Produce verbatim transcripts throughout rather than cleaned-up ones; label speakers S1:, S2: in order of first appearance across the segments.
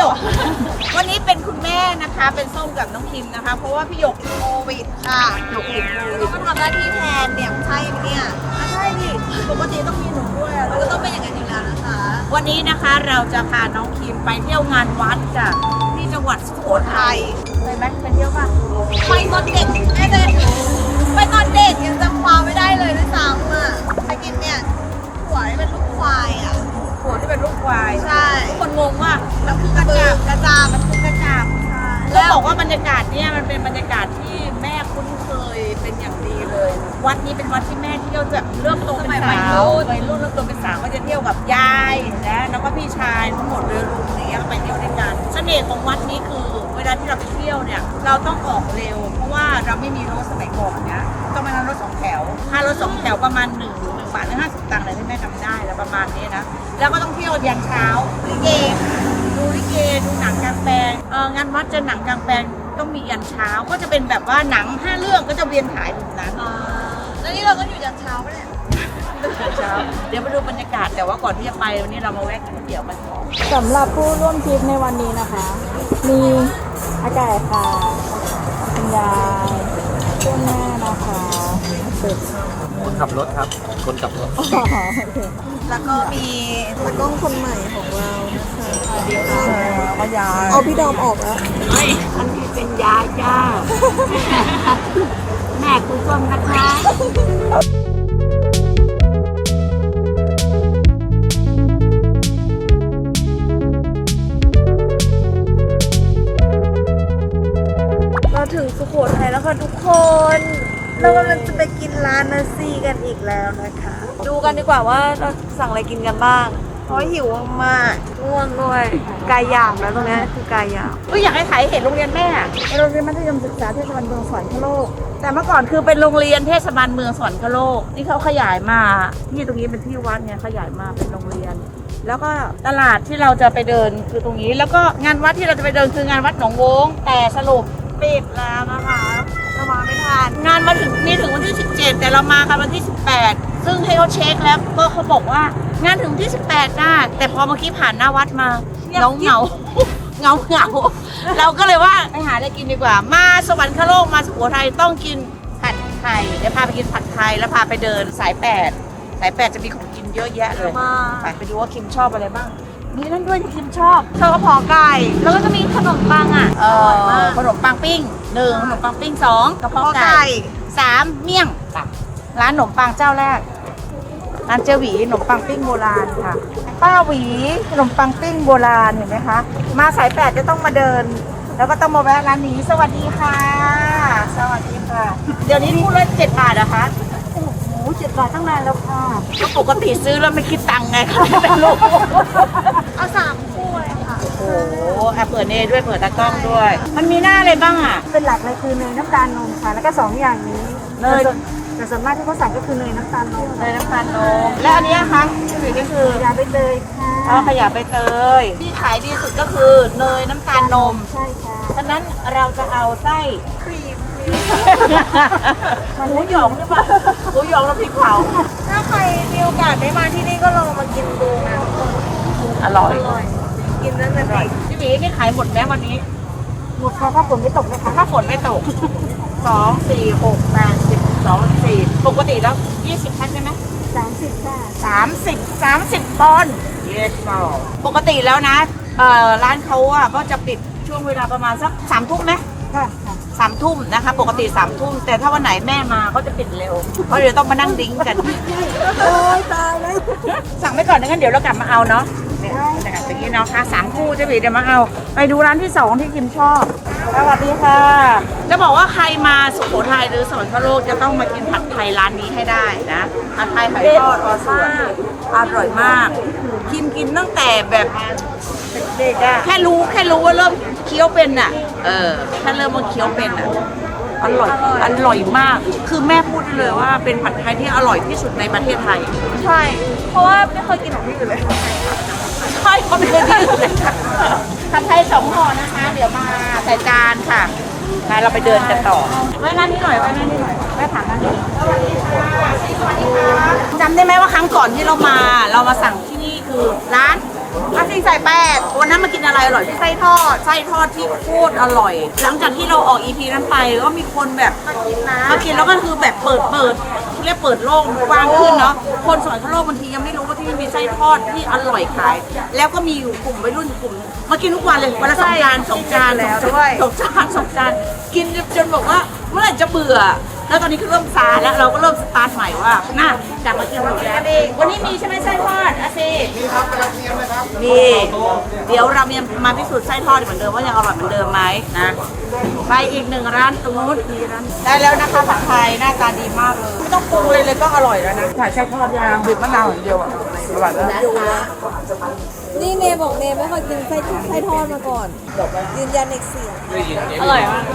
S1: ยกวันนี้เป็นคุณแม่นะคะเป็นส้มกับน้องคิมนะคะเพราะว่าพี่หยกโควิดค่ะหยกติดโควิดมาทำหน้าที่แทนเนี่ยใช่ไหมเนี่ยใช่ดิปกติต้องมีหนูด้วยเราก็ต้องเป็นอย่างนั้นอยู่แล้วนะคะวันนี้นะคะเราจะพาน้องคิมไปเที่ยวงานวัดจ้ะที่จังหวัดสุโขทัยไปไหมไปเที่ยวป่ะไปตอนเด็กแม่เด็กไปตอนเด็กยังจำความไม่ได้เลยด้วยซ้ำอ่ะไปกินเนี่ยหัวที่เป็นลูกควายอ่ะหัวที่เป็นลูกควายใช่คนงงว่าแล้วคือกระจาบกระจาบมันคือกระจาบใช่แล้วบอกว่าบรรยากาศเนี่ยมันเป็นบรรยากาศที่แม่คุ้นเคยเป็นอย่างดีเลยวัดนี้เป็นวัดที่แม่เที่ยวแบบเริ่มโตเป็นสาววัยรุ่นเริ่มโตเป็นสาวก็จะเที่ยวกับยายนะแล้วก็พี่ชายทั้งหมดเลยลุงอย่างเงี้ยไปเที่ยวด้วยกันเสน่ห์ของวัดนี้คือเวลาที่เราไปเที่ยวเนี่ยเราต้องออกเร็วเพราะว่าเราไม่มีรถสมัยก่อนเนี่ยต้องมานั่งรถสองแถวค่ารถสองแถวประมาณหนึ่งหนึ่งบาทหรือห้าสิบตังค์เลยที่แม่จำได้แล้วประมาณนี้นะแล้วก็ต้องเที่ยวยันเช้าลิเกดูลิเกดูหนังกลางแปลงเอองานวัดจะหนังกลางแปลงต้องมียันเช้าก็จะเป็นแบบว่าหนังห้าเรื่องก็จะเวียนถ่ายแบบนั้นแล้วนี่เราก็อยู่ยันเช้าปะเนี่ยเช้าเดี๋ยวมาดูบรรยากาศแต่ว่าก่อนที่จะไปวันนี้เรามาแวะกินก๋วยเตี๋ยวกันก่อน
S2: สำหรับผู้ร่วมทริปในวันนี้นะคะ มีอาไก่ค่ะคุณยายเพื่อนแม่นะคะสุด
S3: คนขับรถครับ คนขับรถ
S2: อ๋อโอเคแล้วก็มีตากล้องคนใหม่ของเรานะคะเดี๋ยวก็ยายเอาพี่ดอมออกแล้ว
S1: ไม่อันนี้เป็นยาจ้า แม่คุณส้มนะคะ
S2: เราถึงสุโขทัยแล้วค่ะทุกคน เรากำลังจะไปกินร้านนาซีกันอีกแล้วนะคะ ดูกันดีกว่าว่าเราสั่งอะไรกินกันบ้าง เพราะหิวมากง่วงด้วยกายหยาบแล้วตรงนี้คือกายหยาบ
S1: ก็อยากให้ถ่ายเห็นโรงเรียนแม่โรงเรียนมัธยมศึกษาเทศบาลเมืองสวรรคโลกแต่เมื่อก่อนคือเป็นโรงเรียนเทศบาลเมืองสวรรคโลกนี่เขาขยายมาที่ตรงนี้เป็นที่วัดเนี่ยขยายมาเป็นโรงเรียน แล้วก็ตลาดที่เราจะไปเดินคือตรงนี้แล้วก็งานวัดที่เราจะไปเดินคืองานวัดหนองโวงแต่สรุปปิดแล้วนะคะเรามาไม่ทันงานมาถึงนี่ถึงวันที่สิบเจ็ดแต่เรามากันวันที่สิบแปดซึ่งให้เขาเช็คแล้วก็เขาบอกว่างานถึงที่สิบแปดได้แต่พอเมื่อกี้ผ่านหน้าวัดมาเงาเงาเงาเงาเราก็เลยว่าไปหาอะไรกินดีกว่ามาสวรรคโลกมาสุโขทัยต้องกินผัดไทยเดี๋ยวพาไปกินผัดไทยแล้วพาไปเดินสายแปดสายแปดจะมีของกินเยอะแยะเลยไปไปดูว่าคิมชอบอะไรบ้างมีนั่นด้วยที่คิมชอบชอบกระเพาะไก่แล้วก็จะมีขนมปังอ่ะอร่อยมากขนมปังปิ้งหนึ่งขนมปังปิ้งสองกระเพาะไก่สามเมี่ยงตับร้านขนมปังเจ้าแรกร้านเจหวีขนมปังปิ้งโบราณค่ะป้าหวีขนมปังปิ้งโบราณเห็นไหมคะมาสายแปดจะต้องมาเดินแล้วก็ต้องมาแวะร้านนี้สวัสดีค่ะสวัสดีค่ะเดี๋ยวนี้พูดละเจ็ดบาทนะคะโอ้โหเจ็ดบาทตั้งนานแล้วค่ะก็ปกติซื้อแล้วไม่คิดตังค์ไงคะเป็นลูก
S2: เอาสามคู่เลยค่ะ
S1: โอ้โหอ่ะเปิดเนยด้วยเปิดตากล้องด้วยมันมีหน้าอะไรบ้างอ่ะ
S2: เป็นหลักเลยคือเนยน้ำตาลนมค่ะแล้วก็สองอย่างนี้เนยแต่ส่วนมากที่เขาสั่งก็คือเนยน้ำตาลนม
S1: เนยน้ำตาลนมและอันนี้คะที่ก็คือ
S2: ขยะใบเตยค่ะ
S1: อ๋อขยะใบเตยที่ขายดีสุดก็คือเนยน้ำตาลนม
S2: ใช่ค่ะ
S1: ฉะนั้นเราจะเอาไส้ครีมหมูหยองหรือเปล่าหมูหยองแล้วพริกเผา
S2: ถ้าใครมีโอกาสได้มาที่นี่ก็ลองมากินดูนะ
S1: อร่อย
S2: กินนั่นเลย
S1: พี่หมีนี่ขายหมดไหมวันนี้
S2: หมดค่ะถ้าฝนไม่ตกนะคะ
S1: ถ้าฝนไม่ตกสองสี่หกแปดสิบสองสี่ปกติแล้วยี่สิบแพ็คใช่ไหม
S2: สามสิบค่ะ
S1: สามสิบสามสิบปอนด์เยสปกติแล้วนะเอ่อร้านเขาอ่ะก็จะปิดช่วงเวลาประมาณสักสามทุ่มไหม
S2: ค่ะ
S1: สามทุ่มนะคะปกติสามทุ่มแต่ถ้าวันไหนแม่มาก็จะปิดเร็วเพราะเดี๋ยวต้องมานั่งดิ้งกัน
S2: โอ้ยตายเลย
S1: สั่งไปก่อนงั้นเดี๋ยวเรากลับมาเอาเนาะเนี่ยอย่างนี้เนาะค่ะสามคู่จะบีเดี๋ยวมาเอาไปดูร้านที่สองที่คิมชอบสวัสดีค่ะจะบอกว่าใครมาสุโขทัยหรือสวรรคโลกจะต้องมากินผัดไทยร้านนี้ให้ได้นะผัดไทยไข่ทอดอร่อยอร่อยมากคิมกินตั้งแต่แบบเด็กๆอะแค่รู้แค่รู้ว่าเริ่มเคี้ยวเป็นอะเออแค่เริ่มมาเคี้ยวเป็นอะอร่อยอร่อยมากคือแม่พูดเลยว่าเป็นผัดไทยที่อร่อยที่สุดในประเทศไทย
S2: ใช่เพราะว่าไม่เคยกินของที่อื่นเลย
S1: ใช่ก็ไม่เคยกินเลยผัดไทยสองห่อนะคะเดี๋ยวมาใส่จานค่ะมาเราไปเดินกันต่อไว้นั่นนี่หน่อยไว้นั่นนี่หน่อยไว้ถามนั่นนี่สวัสดีค่ะจำได้ไหมว่าครั้งก่อนที่เรามาเรามาสั่งที่นี่คือร้านอาซีใส่แปดวันนั้นมากินอะไรอร่อยที่ไส้ทอดไส้ทอดที่โคตรอร่อย หลังจากที่เราออกอีพีนั้นไปก็มีคนแบบมากินนะมากินแล้วก็คือแบบเปิดเปิดเรียกเปิดโลกกว้างขึ้นเนาะคนสอนทั่วโลกบางทียังไม่รู้ว่าที่นี่มีไส้ทอดที่อร่อยขาย แล้วก็มีอยู่กลุ่มวัยรุ่นกลุ่มมากินทุกวันเลยวันละสองจานสองจานแล้วด้วยสองจานสองจานกินจนบอกว่าเมื่อไหร่จะเบื่อ แล้วตอนนี้คือเริ่มซาแล้วเราก็เริ่มสตาร์ทใหม่ว่าน่ากลับมากินหมูแล้ววันนี้มีใช่ไหมไส้ทอดอาซีมีครับกระเทียมไหมครับมีเดี๋ยวเราเนี่ยมาพิสูจน์ไส้ทอดเหมือนเดิมว่ายังอร่อยเหมือนเดิมไหมนะไปอีกหนึ่งร้านตรงนู้นมีร้านได้แล้วนะคะผัดไทยหน้าตาดีมากเลยไม่ต้องปรุงเลยเลยก็อร่อยแล้วนะถ่ายไส้ทอดยางบีบมะนาวอย่างเดียวอ่ะอร่อยแล้ว
S2: นี่เนยบอกเนยไม่เคยกินไส้ไส้ทอดมาก่อนยืนยันอีกเสียง
S4: อร่อยมาก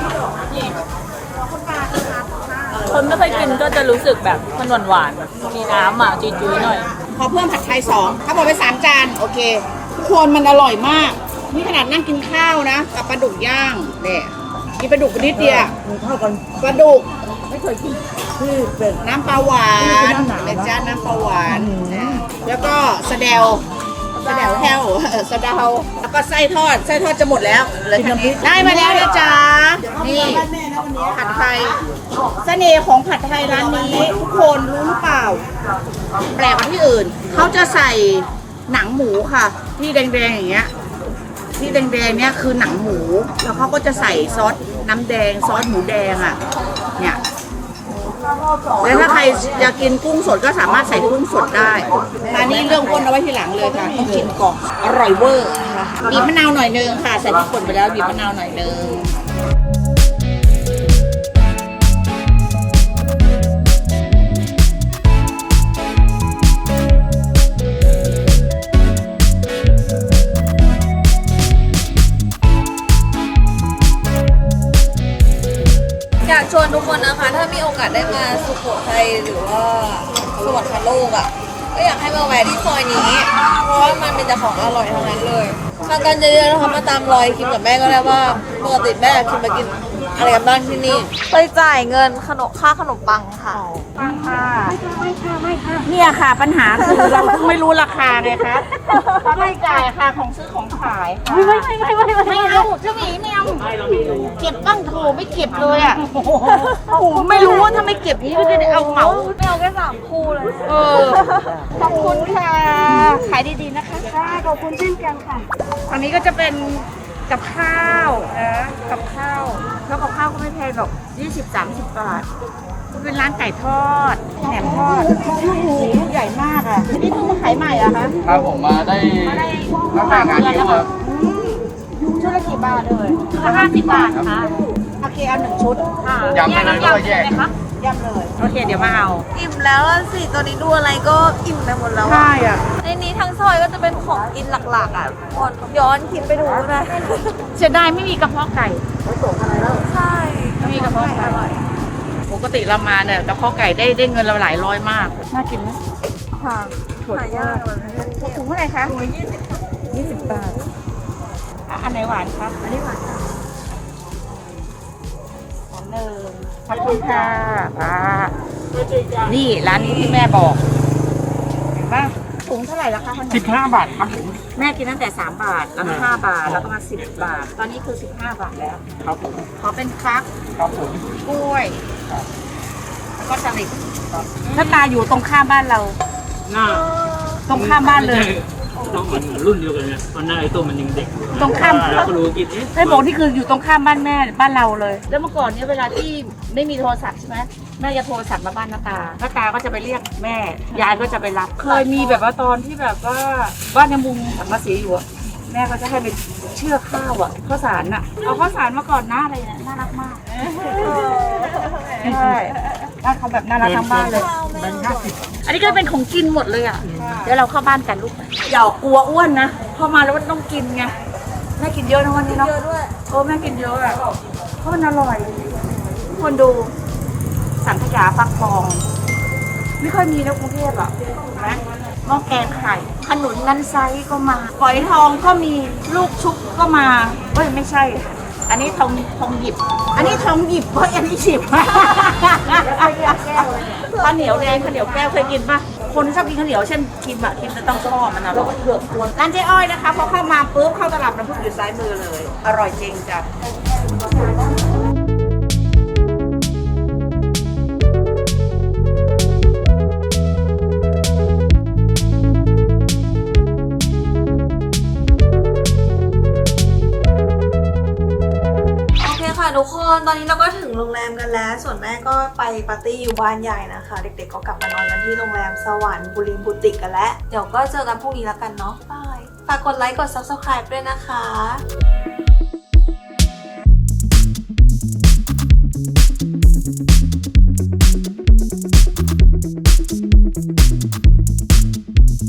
S4: คนไม่เคยกินก็จะรู้สึกแบบมันหวานหวานๆมีน้ำอ่ะจุยๆหน่อย
S1: ขอเพิ่มผัดไทยสองถ้าบอกไปสามจานโอเคทุกคนมันอร่อยมากนี่ขนาดนั่งกินข้าวนะกับปลาดุกย่างเนี่ยกินปลาดุกนิดเดียวปลาดุกไม่เคยกินคือเป็นน้ำปลาหวานเป็นจานน้ำปลาหวานนะแล้วก็สะเดวสะเดวแห้วเออสะเดาแล้วก็ไส้ทอดไส้ทอดจะหมดแล้วเหลยได้มาแล้วนะจ๊ะนี่ผัดไทยเสน่ห์ของผัดไทยร้านนี้ทุกคนรู้หรือเปล่าแปลกกว่าที่อื่นเขาจะใส่หนังหมูค่ะที่แดงๆอย่างเงี้ยที่แดงๆเนี่ยคือหนังหมูแล้วเขาก็จะใส่ซอสน้ำแดงซอสหมูแดงอ่ะเนี่ยแล้วถ้าใครจะกินกุ้งสดก็สามารถใส่กุ้งสดได้ร้านนี้เรื่องอ้วนเอาไว้ทีหลังเลยค่ะต้องกินก่อนอร่อยเวอร์ค่ะบีบมะนาวหน่อยนึงค่ะใส่พริกป่นไปแล้วบีบมะนาวหน่อยนึง
S2: อยากชวนทุกคนนะคะ ถ้ามีโอกาสได้มาสุโขทัยหรือว่าสวรรคโลกอ่ะก็อยากให้มาแวะที่ซอยนี้ เพราะว่ามันเป็นแต่ของอร่อยทั้งนั้นเลยมากันเยอะๆนะคะมาตามรอยคิมกับแม่ก็ได้ว่าปกติแม่คิมมากินอะไรกันบ้างที่นี่ไปจ่ายเงินขนมค่าขนมปังค่ะ
S1: ค่ะเนี่ยค่ะปัญหาคือเราเพิ่งไม่รู้ราคาไงคะเขาไม่จ่ายค่ะของซื้อของขายไม่ไม่ไม่ไม่ไม่ไม่เอาเจ้าหมีไม่เอาเก็บบ้างโถไม่เก็บเลยอ่ะโอ้โหไม่รู้ว่าถ้าไม่เก็บนี่ก็จะเอาเหมา
S2: ไม่เอาแค่สามคู่เลย
S1: เออขอบคุณค่ะขายดีๆนะคะค่ะขอบคุณเช่นกันค่ะอันนี้ก็จะเป็นกับข้าวนะกับข้าวแล้วกับข้าวก็ไม่แพงหรอกยี่สิบ สามสิบบาทเป็นร้านไก่ทอดแหนมทอดโอ้โหลูกใหญ่มากอ่ะนี่เพิ่งมาขายใหม่อะคะ
S3: ครับผมมาได้
S1: มาได้
S3: ตั้งแต่งานนี้ครับ
S1: ชุดละกี่บาทเลยชุดละห้าสิบบาทค่ะโอเคเอาหนึ่งชุดค่ะ
S3: ยำไปเลยด้วยแยก
S1: ยำเลยโอเคเดี๋ยวมาเอา
S2: อิ่มแล้วล่ะสิตัวนี้ดูอะไรก็อิ่มไปหมดแล้วอะ
S1: ใช่อ่ะ
S2: ในนี้ทั้งซอยก็จะเป็นของกินหลักๆอ่ะหมดย้อนคิดไปดูนะ
S1: เสียดายไม่มีกระเพาะไก่
S2: ใช่
S1: ไม่มีกระเพาะไก่ปกติเรามาเนี่ยกระเพาะไก่ได้ได้เงินเราหลายร้อยมากน่ากินไหม
S2: ค่ะหายากเลย
S1: ถุงเท่าไหร่คะถุงยี่สิบยี่สิบบาทอ่ะอันไหนหวานครับอันนี้หวานค่ะอันหนึ่งขอบคุณค่ะป้านี่ร้านนี้ที่แม่บอกเห็นปะถุงเท่าไหร่ละคะ
S3: สิบห้าบาทครับผม
S1: แม่กินตั้งแต่สามบาทแล้วก็ห้าบาทแล้วก็มาสิบบาท ตอนนี้คือสิบห้าบาทแล้ว
S3: ครับผม
S1: ขอเป็นฟัก
S3: ครับผม
S1: กล้วยแล้วก็สลิดถ้าตาอยู่ตรงข้ามบ้านเรา
S5: หน้า
S1: ตรงข้ามบ้านเลย
S5: น้องมันรุ่นเดียวกันเนี่ยตอนหน้าไอ้ตัวมันยังเด็ก
S1: ตรงข้าม
S5: เราก็รู้กินเอ๊ะ
S1: ให้บอกที่คืออยู่ตรงข้ามบ้านแม่บ้านเราเลย แล้วเมื่อก่อนเนี่ยเวลาที่ไม่มีโทรศัพท์ใช่ไหมแม่จะโทรศัพท์มาบ้านน้าตาน้าตาก็จะไปเรียกแม่ยายก็จะไปรับ เคยมีแบบว่าตอนที่แบบว่าบ้านยังมุงสังกะสีอยู่อะแม่ก็จะให้ไปเชื่อข้าวอะข้าวสารอะเอาข้าวสารมาก่อนหน้าอะไรเนี่ยน่ารักมากใช่บ้านเขาแบบน่ารักทั้งบ้านเลย
S3: แบงค์ห้าสิบ
S1: อันนี้ก็เป็นของกินหมดเลยอ่ะ เดี๋ยวเราเข้าบ้านกันลูกอย่ากลัวอ้วนนะ พอมาแล้วมันต้องกินไง แม่กินเยอะนะวันนี้เนาะ
S2: เยอะด้วย
S1: โอ้แม่กินเยอะอ่ะ เพราะมันอร่อย คนดู สังขยาฟักทอง ไม่ค่อยมีในกรุงเทพอ่ะเห็นไหมหม้อแกงไข่ ขนุนนันไซก็มาฝอยทองก็มีลูกชุบก็มาเฮ้ยไม่ใช่ อันนี้ทองทองหยิบ อันนี้ทองหยิบเฮ้ยอันนี้ฉิบ ข้าวเหนียวแดงข้าวเหนียวแก้วเคยกินป่ะ คคนที่ชอบกินข้าวเหนียวเช่นคิมอะคิมจะต้องชอบมันอร่อยร้านเจ๊อ้อยนะคะพอเข้ามาปุ๊บเข้าตลาดน้ำผึ้งอยู่ซ้ายมือเลย อร่อยจริงจ้ะ
S2: โอเคค่ะทุกคนตอนนี้เราก็ถึงโรงแรมกันแล้ว ส่วนแม่ก็ไปปาร์ตี้อยู่บ้านใหญ่นะคะ เด็กๆก็กลับมานอนกันที่โรงแรมสวรรค์บุรีบุติกกันแล้ว เดี๋ยวก็เจอกันพรุ่งนี้แล้วกันเนาะบายฝากกดไลค์กด ซับสไครบ์ ด้วยนะคะ